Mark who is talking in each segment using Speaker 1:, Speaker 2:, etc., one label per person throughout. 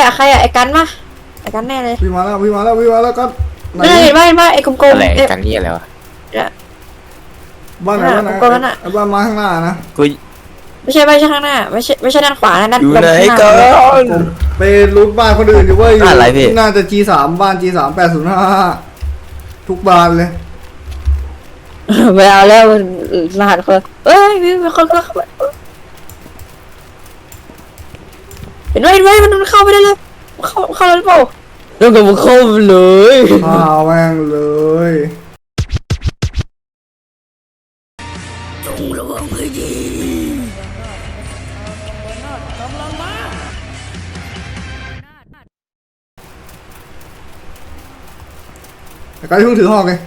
Speaker 1: อะไอ้กันมาไอ้กันแน่เลย
Speaker 2: วิ่งมาแล้วก็ไหน
Speaker 1: ไม่เห็นว่าไอ้กลม
Speaker 3: อะไร
Speaker 1: ๆเอ๊ะ
Speaker 3: กันนี่อะไรวะ
Speaker 2: บ้านไหนบ้านไหน
Speaker 1: กลมๆนั่นน่ะ
Speaker 2: ไอ้บ้านมาข้างหน้านะ
Speaker 3: กู
Speaker 1: ไม่ใช่ข้างหน้าไม่ใช่ด้านขวานะด้าน
Speaker 3: อยู่ไหน
Speaker 1: ข้างห
Speaker 3: ก่อ
Speaker 1: น้า
Speaker 3: น
Speaker 2: ไปรูทบ้านคนอื่นอยู่เว้ยอยู่
Speaker 3: อะไรพี่
Speaker 2: น่าจะ G3 บ้าน G3 805ทุกบ้านเลย
Speaker 1: ไม่เอาแล้วรหัสคนเอ้ยมีคนเข้ามาเห็นไหมมันเข้าไปได้เลยเข้าเลยเปล่าแล้วก็มันเข้าไปเลย
Speaker 2: ข้าวแม่งเลยไอ้การที่เพิ่งถือหอกไง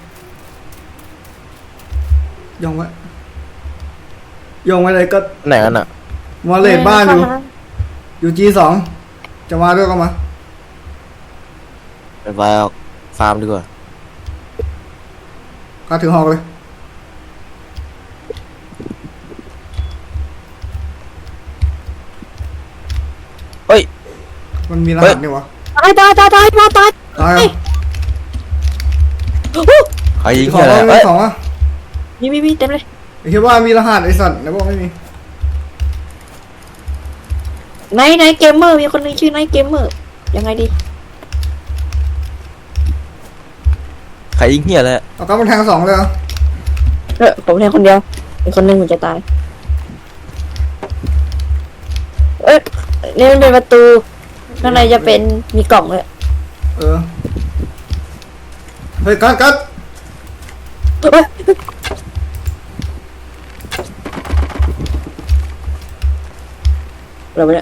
Speaker 2: ย่องไว้เลยก็
Speaker 3: ไหนกันอ่ะ
Speaker 2: มาเลดบ้านอยู่ G2 จะมาด้วยก็มา
Speaker 3: ไปฟาร์มดีกว่า
Speaker 2: การถือหอกเลย
Speaker 3: เฮ้ย
Speaker 2: มันมีรหัสนี่วะ
Speaker 1: ตายมาตาย
Speaker 2: ตายอ่ะ
Speaker 3: ใครยิง
Speaker 2: ของ
Speaker 3: อะไร
Speaker 2: มี
Speaker 3: เอ้ย
Speaker 2: ของอ่ะ
Speaker 1: มีเต็มเลย
Speaker 2: ไอ้คิดว่ามีรหัสไอ้สัตว์ไหนบอกไม่มี
Speaker 1: ไนท์เกมเมอร์มีคนนึงชื่อไนท์เกมเมอร์ยังไงดี
Speaker 3: ใครยิงเหี้ยอะไร
Speaker 2: เอากำมันแทง2เลยเหรอ
Speaker 1: ผมแทนคนเดียวอีกคนนึงมันจะตายเอ้ยนี่มันเป็นประตูข้างในจะเป็นมีกล่องเลย
Speaker 2: เออเฮ้ยกัด
Speaker 1: เอ้ยเราไปเนี่ย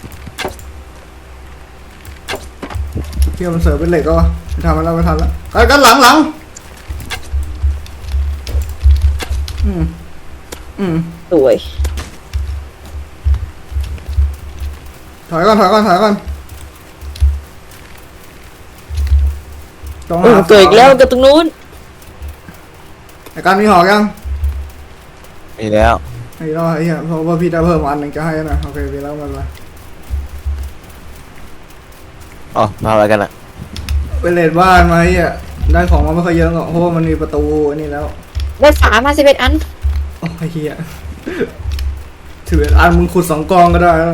Speaker 2: เที่ยวมันเสิร์ฟเป็นเหล็กก็วะไม่ทำมันแล้วไม่ทันแล้วกัดหลัง
Speaker 1: สวย
Speaker 2: ถอยก่อนต้องหา
Speaker 1: เกิดอีกแล้วกับตรงนู้น
Speaker 2: ไอ้การมีหอกยัง
Speaker 3: มีแล้ว
Speaker 2: ไอ้เราไอ้เหี้ยเพราะว่าพี่ได้เพิ่มอันหนึ่งจะให้นะโอเคมีแล้วมันมา
Speaker 3: อ๋อมาอะไรกันอ่ะ
Speaker 2: ไปเลดบ้านมาไอ้เหี้ยได้ของมาไม่ค่อยเยอะหรอกเพราะว่ามันมีประตูอันนี้แล้ว
Speaker 1: ได้31อัน
Speaker 2: โอ้ไอ้เหี้ยถืออันมึงขุด2กองก็ได้แล้ว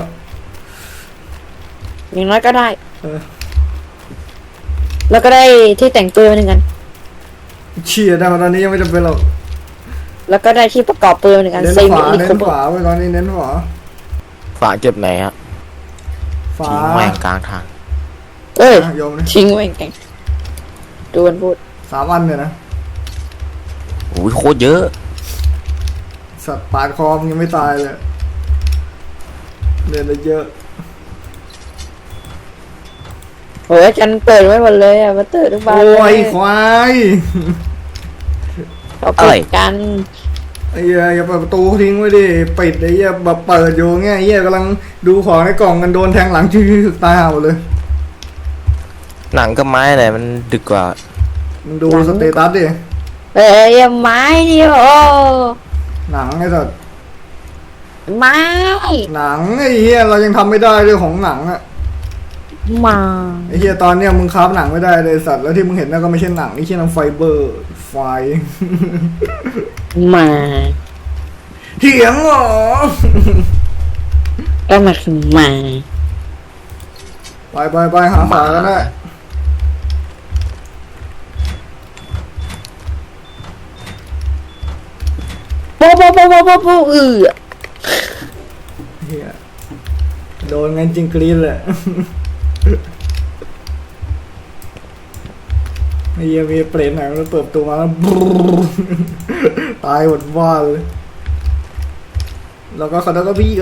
Speaker 1: อย่างน้อยก็ได้
Speaker 2: เออ
Speaker 1: แล้วก็ได้ที่แต่งปืนมาหนึ่งอัน
Speaker 2: เชี่ยได้มาตอนนี้ยังไม่จำเป็นหรอก
Speaker 1: แล้วก็ได้ที่ประกอบปืนมาหนึ่งอัน
Speaker 2: เน้น
Speaker 1: เซ
Speaker 2: ข
Speaker 1: มิ
Speaker 2: วา
Speaker 1: ลิ
Speaker 2: เน้
Speaker 1: โคน เบอ
Speaker 2: ขวา
Speaker 1: ร์
Speaker 2: ไว้ตอนนี้เน้นขวา
Speaker 3: ฝาเก็บไหนฮะ
Speaker 2: ฝา
Speaker 3: ทิ้งแม่งกลางทาง
Speaker 1: เอ้ย
Speaker 2: โยมเลย
Speaker 1: ทิ้งไว้แกงดูมันพูด
Speaker 2: 3 อันเนี่ยนะ
Speaker 3: โอ้ยโคตรเยอะ
Speaker 2: สัตว์ปาดคอมงยังไม่ตายเลยเดินได้เยอะ
Speaker 1: โหจันเปิดไว้หมดเลยอ่ะมาเติร์ดทุกบ้าน
Speaker 2: โอ้ย
Speaker 1: เลย
Speaker 2: ควาย
Speaker 1: เขาปิดกัน
Speaker 2: ไอ้เหี้ยอย่าเปิดประตูทิ้งไว้ดิปิดไอ้เหี้ยแบบเปิดอยู่เงี้ยไอ้เหี้ยกำลังดูของในกล่องกันโดนแทงหลังชื่อตายห่าหมดเลย
Speaker 3: หนังกับไม้ไหนมันดึกกว่า
Speaker 2: มึงดูสเตตัสดิ
Speaker 1: เอ้ยอย่าไม้ดิโอ้
Speaker 2: หนังไอ้สัตว์
Speaker 1: ไม้
Speaker 2: หนังไอ้เหี้ยเรายังทำไม่ได้เรื่องของหนังอะ
Speaker 1: มา
Speaker 2: ไอ้เหี้ยตอนเนี้ยมึงคราฟหนังไม่ได้เลยสัตว์แล้วที่มึงเห็นนั่นก็ไม่ใช่หนังนี่ใช่น้ำไฟเบอร์ไฟ
Speaker 1: มา
Speaker 2: เถียงเหรอ
Speaker 1: ก็มาคือมา
Speaker 2: ไปหาฝากันได้
Speaker 1: โป๊ะเ
Speaker 2: เหี้ยโดนงั้นจริงกรี๊ดเลยไอ้เหี้ยมีเปรตไหนมันเปิดประตูมาแล้วบรู๊ตายหมดบ้านเลยแล้วก็เขาได้ก็พี่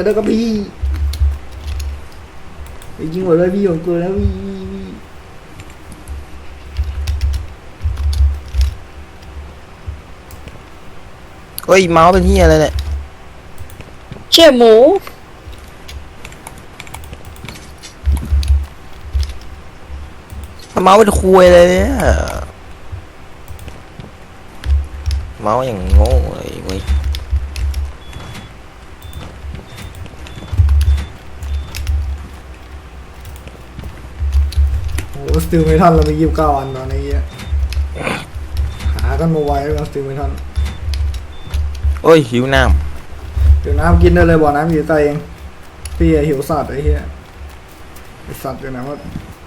Speaker 2: ไอ้ยิงหมดเลยพี่ของกูแล้วพี่
Speaker 3: เฮ้ยเมาส์เป็นเหี้ยอะไรเนี่ย
Speaker 1: เชี่ยหมู
Speaker 3: เมาส์เป็นคุยเลยเนี่ยเมาส์อย่างโง่เลยเว้ย
Speaker 2: ไโอ้สติลเมทัลเรามี29 อันตอนนี้อะหากันมาไว้แล้วสติลเมทัล
Speaker 3: โอ้ยหิวน้
Speaker 2: เดี๋ยวน้ำกินได้เลยบ่อน้ำอยู่ใต้เองพี่หิวสัตว์ไอ้เหี้ยไอ้สัตว์อยู่ไหนวะ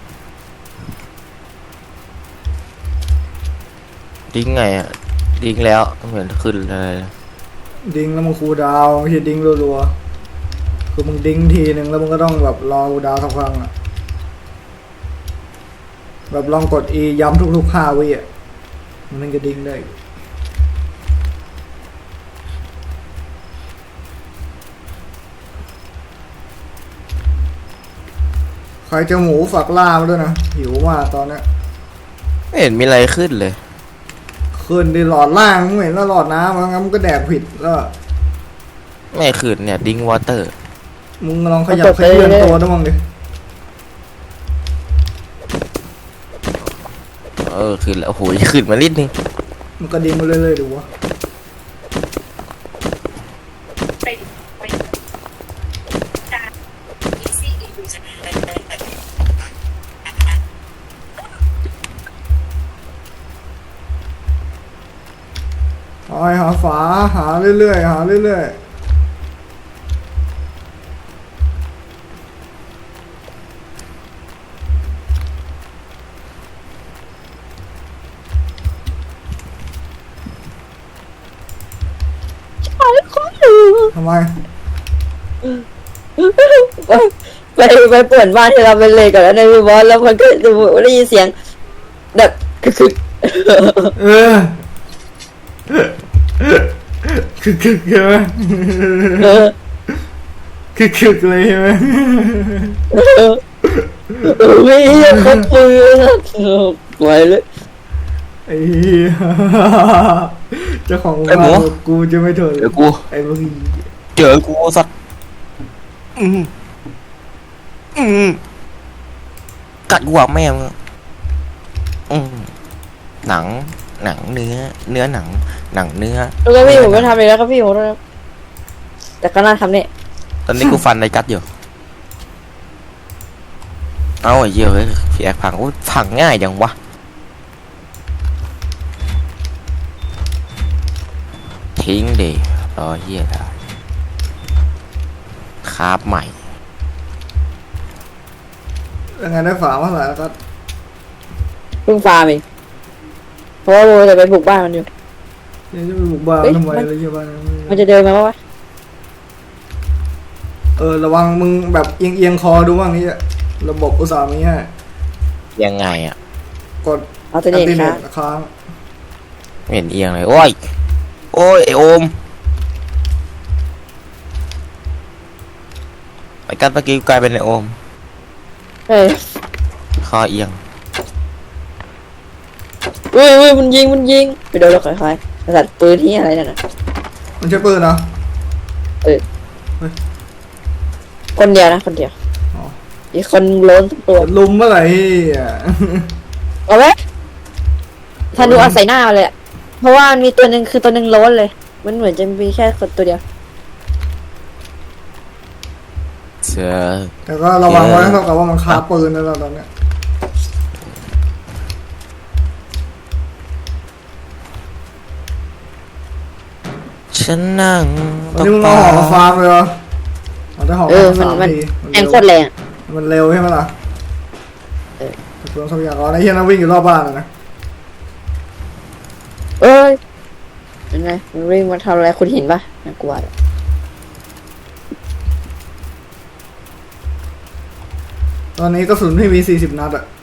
Speaker 3: ำดิ้งไงอ่ะดิ้งแล้วเหมือนขึ้นเลย
Speaker 2: ดิ้งแล้วมึงคูลดาวน์ไม่ใช่ดิ้งรัวๆคือมึงดิ้งทีนึงแล้วมึงก็ต้องแบบรอคูลดาวน์สักครั้งอะแบบลองกด E ย้ำทุกๆ5 วิอ่ะมันถึงจะดิ้งได้ใครจะหมูฝักล่ามาด้วยนะหิวมากตอนเนี้ย
Speaker 3: ไม่เห็นมีอะไรขึ้นเลย
Speaker 2: ขึ้นดิหลอดล่างมึงเห็นแล้วหลอดน้ำงั้นมึงก็แดกผิดแล้ว
Speaker 3: ไม่ขึ้นเนี่ยดิ้งวอเตอร์
Speaker 2: มึงลองขยับขยื่นตัวด้วยมั้งดิ
Speaker 3: ขึ้นแล้วโอ้โหขึ้นมานิดนึง
Speaker 2: มันก็ดิ้งมาเรื่อยๆดูวะหาฝาหาเรื่อยๆหาเรื่อยๆทำไม
Speaker 1: ไปเปิดบ้านที่เราไปเลยก่อนแล้วในพี่บอสแล้วมันก็ได้ยินเสียงแบบคือ
Speaker 2: เออคึกใช่ไหมคึกเลยใช่ไหม
Speaker 1: ไม่ใช่เขาปืนไหวเลย
Speaker 2: ไอ้เหี้ยเจ้าของบ้านบอกกูจะไม่ทน
Speaker 3: เดี๋ยวกู
Speaker 2: ไอ้พวกนี้
Speaker 3: เจอกูสัตว์กัดกูอ่ะแม่มึงหนังเนื้อหนังเนื้อ
Speaker 1: แล้วก็พี่ผมไม่ทำเลยแล้วก็พี่ผมแต่ก็น่าทำเนี่ย
Speaker 3: ตอนนี้กูฟันในกัดอยู่เอาไอ้เหี้ยเฮ้ยพี่แอกพังโอ้ยพังง่ายจังวะทิ้งดิรอเหี้ยได้คาบใหม่
Speaker 2: ยังไงได้ฝาเมื่อไหร่แล้วก็
Speaker 1: เพิ่งฟาร์มเองเพราะว่าโบจะไปบุกบ้านมันอยู่
Speaker 2: ยังจะไปบุกบ้านทำไมเลยใช่บ้าน
Speaker 1: มันจะเดินมาปะวะ
Speaker 2: ระวังมึงแบบเอียงคอดูบ้างนี่ระบบอุตสาหมีให้
Speaker 3: ยังไงอ่ะ
Speaker 2: กด
Speaker 1: เอาตัวเด็กครับ
Speaker 2: ค้าง
Speaker 3: ไม่เห็นเอียงเลยโอ้ยไอโอมไอ้กัดเมื่อกี้กลายเป็นไอโอม
Speaker 1: เฮ้ย
Speaker 3: คอเอียง
Speaker 1: อุ้ยมันยิงไปโดนเราค่อยๆกระสัดปืนที่อะไรนั่นน่ะ
Speaker 2: มันใช้ปืนเหรอ
Speaker 1: คนเดียวนะคนเดียว
Speaker 2: อ๋อ
Speaker 1: อีกคนล้นตัว
Speaker 2: ลุมเมื่อไหร่อ่ะ
Speaker 1: เอาไว้ทันดูเอาใส่หน้าเลยอะเพราะว่ามันมีตัวหนึ่งคือตัวหนึ่งล้นเลย มันเหมือนจะมีแค่คนตัวเดียว
Speaker 3: เสือ
Speaker 2: แต่ก็ระวังไว้เท่ากับว่ามันคาปืนแล้วตอนเนี้ย
Speaker 3: ฉันนั่ง
Speaker 2: วันนี้มึงเอาหอกมาฟาร์มเลยเหรอเอาได้หอก
Speaker 1: เออ
Speaker 2: มา
Speaker 1: มัน
Speaker 2: 3 ที
Speaker 1: แรงโคตรแรงอะ
Speaker 2: มันเร็วใช่ไหมล่ะเปลืองทรัพยากรไอ้เหี้ยนั่งวิ่งอยู่รอบบ้านเลยนะ
Speaker 1: เอ้ยยังไงมันวิ่งมาทำอะไรคุณเห็นปะน่ากลัวอะ
Speaker 2: ตอนนี้กระสุนพี่มี40 นัดอ่ะ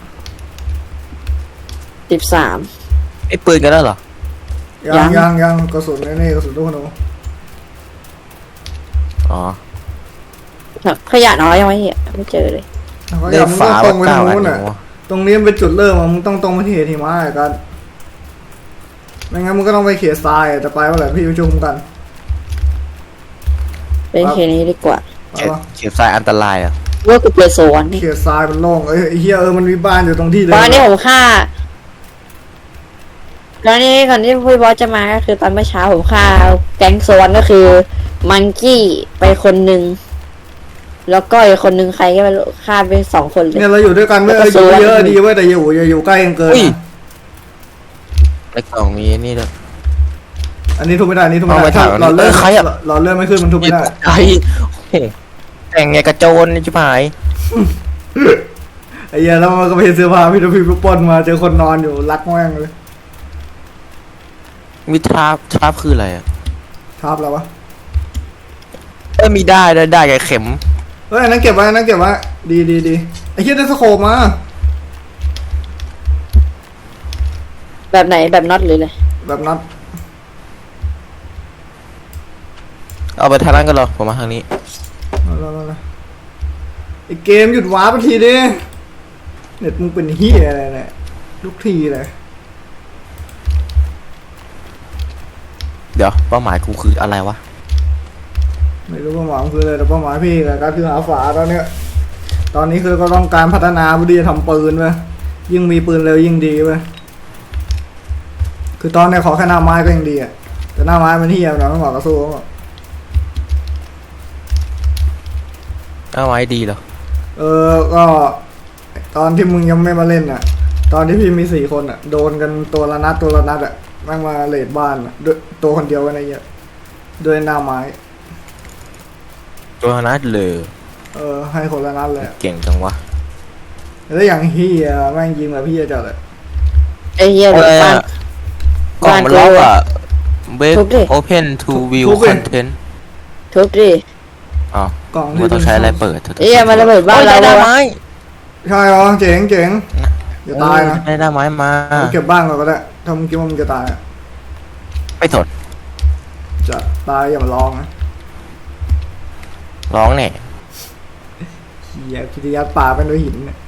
Speaker 1: 13
Speaker 3: ไอ้ปืนกันแล้วเหรอ
Speaker 2: ยังกระสุนนี่กระสุนลูกขนู
Speaker 3: อ๋อ
Speaker 1: ขยะน้อยยังไม่เห็นไม่เจอเลย
Speaker 2: แล้วก็อ
Speaker 3: ได้
Speaker 2: ย่ามึง
Speaker 3: ฝา
Speaker 2: ต้องตรงไป
Speaker 3: เก้า
Speaker 2: ทาง
Speaker 3: อัน
Speaker 2: นู้น
Speaker 3: อ
Speaker 2: อ่ะ
Speaker 3: ยู่
Speaker 2: ตรงนี้มันเป็นจุดเริ่มอ่ะมึงต้องตรงไปที่เหตุหิมะไอ้กันไม่งั้นมึงก็ต้องไปเขียทรายอะแต่ไปเมื่อไหร่พี่ประชุมกัน
Speaker 1: เป็นแค่นี้ดีกว่า
Speaker 2: ไปปะ
Speaker 3: เขียบทรายอันตรายอ่ะ
Speaker 1: ว่ากูเปโซนนี่
Speaker 2: เขียทรายมันโล่งไอ้เฮียมันมีบ้านอยู่ตรงที่เลย
Speaker 1: ตอนนี้ผมฆ่าก่อนที่พี่บอสจะมาก็คือตอนเมื่อเช้าผมฆ่าแก๊งโซนก็คือมังกี้ไปคนหนึ่งแล้วก็อีกคนนึงใครก็ไม่รู้ฆ่าไป2 คนเลย
Speaker 2: เนี่ยเราอยู่ด้วยกันเว้ย
Speaker 1: แล้วก็
Speaker 2: อยู่เยอะ
Speaker 1: ซื้อ
Speaker 2: ดีเว้ยแต่อย่าอยู่ใกล้กันเกิน
Speaker 3: อุ้ย
Speaker 2: นะ
Speaker 3: ในกล่องมีนี่ด้วย
Speaker 2: อันนี้ทุบไม่ได้อันนี้ทุบไม่ได้
Speaker 3: เอาไป
Speaker 2: ถ้า
Speaker 3: ถาม
Speaker 2: หลอดเลือด
Speaker 3: ใครอะ
Speaker 2: หลอดเลือดไม่ขึ้นมันทุบไม่ได้
Speaker 3: ไอ้โอ้โหแต่งไงกระโจนนี่ชิบหาย
Speaker 2: ไอ้เหี้ยแล้วมันก็ไปเห็นเสื้อผ้าพี่ดูพี่ปล้นมาเจอคนนอนอยู่รักแม่งเลย
Speaker 3: มีทราบคืออะไรอ่ะ
Speaker 2: ทับแล้ววะ
Speaker 3: มีได้กับเข็ม
Speaker 2: เฮ้ยอันนั้นเก็บไว้อันนั้นเก็บไว้ดีไอ้เหี้ยได้สโคปมา
Speaker 1: แบบไหนแบบน็อตหรือเลย
Speaker 2: แบบนั้น
Speaker 3: เอาไปทางนั้นกันเหรอผมมาทางนี้
Speaker 2: เอาไอ้เกมหยุดว้าร์ปไปทีดิเน็ตมึงเป็นเหี้ยอะไรเนี่ยทุกทีเลย
Speaker 3: เดี๋ยวเป้าหมายกูคืออะไรวะ
Speaker 2: ไม่รู้เป้าหมายมันคืออะไรแต่เป้าหมายพี่กับการคือหาฝาตอนเนี้ยตอนนี้คือก็ต้องการพัฒนาเพื่อที่จะทำปืนเว้ยยิ่งมีปืนเร็วยิ่งดีเว้ยคือตอนเนี้ยขอแค่หน้าไม้ก็ยังดีอ่ะแต่หน้าไม้มันเหี้ยนะไม่เหมาะกับสู้เขาหรอก
Speaker 3: เอาไว้ดีเหรอ
Speaker 2: ก็ตอนที่มึงยังไม่มาเล่นอ่ะ ตอนที่พี่มี4 คนอ่ะ โดนกันตัวละนัดอ่ะแม่งมาเลดบ้านอ่ะด้วยตัวคนเดียวกันไอ้เหี้ยด้วยหน้าไม้
Speaker 3: ตัวนัดเลย
Speaker 2: ให้คนละนัดเลยอะ
Speaker 3: เก่งจังวะ
Speaker 2: แล้วอย่างเฮียแม่งยิงแบบพี่จัดเลย
Speaker 1: ไอ้เหี้ย
Speaker 3: อะ
Speaker 1: เดี๋ยว
Speaker 3: ไร
Speaker 1: บ้าน
Speaker 3: อ่ะกล่องมันล็อกอ่ะเบรก
Speaker 1: ทุบดิ
Speaker 3: open to view
Speaker 2: ทุบดิ
Speaker 3: content
Speaker 1: ทุบดิ
Speaker 3: อ๋อก
Speaker 2: ล่อง
Speaker 3: มันต้องใช้อะไรเปิด
Speaker 1: ไอ้เหี้ยมันระเบิดบ้าน
Speaker 3: โอ้ย
Speaker 1: เรา
Speaker 3: ได้
Speaker 1: วะ
Speaker 3: ไม้
Speaker 2: ใช่เหรอเจ๋งอย่าตายนะ
Speaker 3: ได้ไม้มา
Speaker 2: เก็บบ้านก่อนก็ได้ถ้ามึงคิดว่ามึงจะตายอะ
Speaker 3: ไม่สน
Speaker 2: จะตายอย่ามาลองนะ
Speaker 3: ร้องแน่
Speaker 2: เฮียพิทยัดป่าเป็นด้วยหินเนี่ย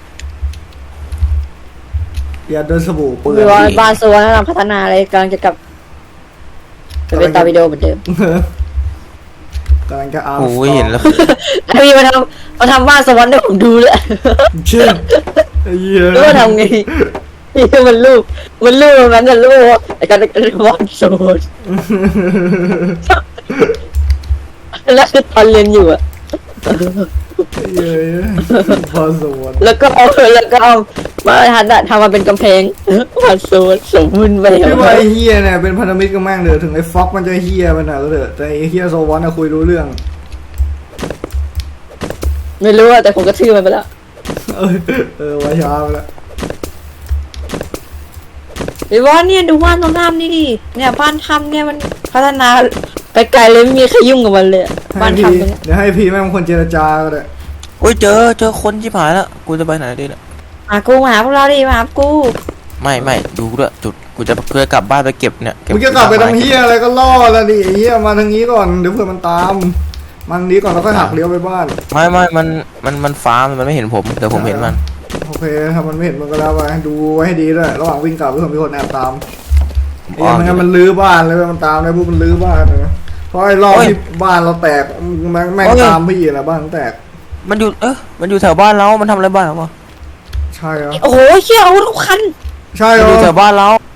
Speaker 2: อย่าโดนสบู่เปื้
Speaker 1: คือ
Speaker 2: อน
Speaker 1: ว่าบ้านสวนแล้วเราพัฒนาอะไรกำลังจะกลับไปเป็นตาวิดีโอเหมือนเดิม
Speaker 2: กำลังจะเอา
Speaker 3: โอ้ยเห็นแล้ว
Speaker 1: ไอ้พี่มาทำบ้านสวรรค์ให้ผมดูเลย
Speaker 2: เชื่อไอ้เหี้ย
Speaker 1: รู้ว่าทำไงนี่มันรูปมันจะรูปไอ้การบ้านสวรรค์แล้วคือตอนเรียนอยู่อะ
Speaker 2: เย้พอสวน
Speaker 1: แล้วก็เอามาทำมาเป็นกำแพงบ้านสวรรค์สมบูรณ์ไป
Speaker 2: พี่ว่าไอ้เฮียเนี่ยเป็นพันธมิตรกับแม่งเถอะถึงไอ้ฟ็อกมันจะเฮียไปหน่อยก็เถอะแต่ไอ้เฮียโซวอนน่ะคุยรู้เรื่อง
Speaker 1: ไม่รู้อะแต่ผมก็ชื่อมันไปแล้ว
Speaker 2: ว่าช้าไปแล้ว
Speaker 1: ไอ้วอนเนี่ยดูบ้านตรงน้ำนี่ดิเนี่ยบ้านทำเนี่ยมันพัฒนาไปไกลเลยไม่มีใครยุ่งกับมันเลยอะบ้าน
Speaker 2: ให้พี่
Speaker 1: ทำตรงเนี้ย
Speaker 2: เดี๋ยวให้พี่แม่งเป็นคนเจรจาก็ได้
Speaker 3: โอ้ยเจอคนชิบหายแล้วกูจะไปไหนดีล่ะ
Speaker 1: มาหาพวกเราดิมาหากู
Speaker 3: ไม่ดูด้วยจุดกูจะเพื่อกลับบ้านไปเก็บเนี่ย
Speaker 2: มึงจะกลับไปทำเฮียอะไรก็ล่อแล้วดิไอ้เฮียมาทางนี้ก่อนเดี๋ยวเผื่อมันตามมันนี้ก่อนแล้วค่อยหักเลี้ยวไปบ้าน
Speaker 3: ไม่มันฟ้ามันไม่เห็นผมแต่ผมเห็นมัน
Speaker 2: โอเคถ้ามันไม่เห็นมันก็แล้วไปดูไว้ให้ดีด้วยระหว่างวิ่งกลับเพื่อมีคนแอบตามไอ้เหี้ยไม่งั้นมันลื้อบ้านเลยเว้ยมันตามเลยพวกมันลื้อบ้านเลยเพราะไอ้รอบที่บ้านเราแตกแม่งตามพี่แหละบ้านแตก
Speaker 3: มันอยู่แถวบ้านเรามันทำอะไรบ้านเราวะ
Speaker 2: ใช่เหรอ
Speaker 1: โอ้โหเชี่ยอาวุธทุกคัน
Speaker 2: ใช่เหร
Speaker 3: มัน
Speaker 2: อ
Speaker 3: อยู่แถวบ้านเรา